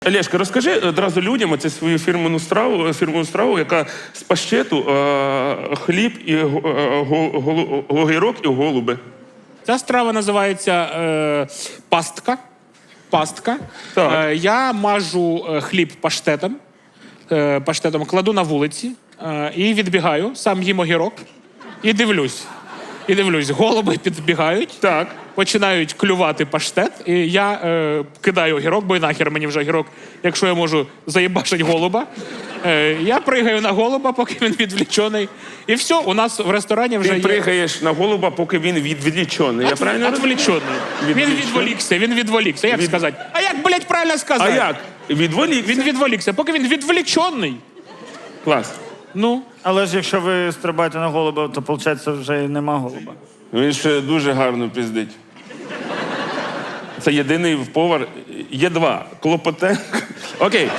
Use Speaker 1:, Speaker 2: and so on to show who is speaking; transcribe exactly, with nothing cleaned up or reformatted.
Speaker 1: Олешка, розкажи одразу людям оце свою фірменну страву, фірменну страву, яка з паштету, е, хліб, і е, го- го- огірок і голуби.
Speaker 2: Ця страва називається е, пастка. Пастка.
Speaker 1: Так.
Speaker 2: Е, я мажу е, хліб паштетом, е, паштетом кладу на вулиці е, і відбігаю, сам їм огірок і дивлюсь. І дивлюсь, голуби підбігають,
Speaker 1: Так.
Speaker 2: починають клювати паштет, і я е, кидаю огірок, бо і нахер мені вже огірок, якщо я можу заїбашить голуба. Е, я пригаю на голуба, поки він відвлічений. І все, у нас в ресторані вже
Speaker 1: Ти
Speaker 2: є...
Speaker 1: пригаєш на голуба, поки він відвлічений. Я правильно розумію?
Speaker 2: Отвлечений. Він
Speaker 1: Відвлічений.
Speaker 2: відволікся, він відволікся. Як
Speaker 1: Від-
Speaker 2: сказати? А як, блядь, правильно
Speaker 1: А
Speaker 2: сказати?
Speaker 1: як? Відволікся?
Speaker 2: Він відволікся, поки він відволічений.
Speaker 1: Клас.
Speaker 2: Ну,
Speaker 3: Але ж якщо ви стрибаєте на голуба, то виходить вже і нема голуба.
Speaker 1: Він ще дуже гарно пиздить. Це єдиний повар. Є два. Клопотенко. Окей.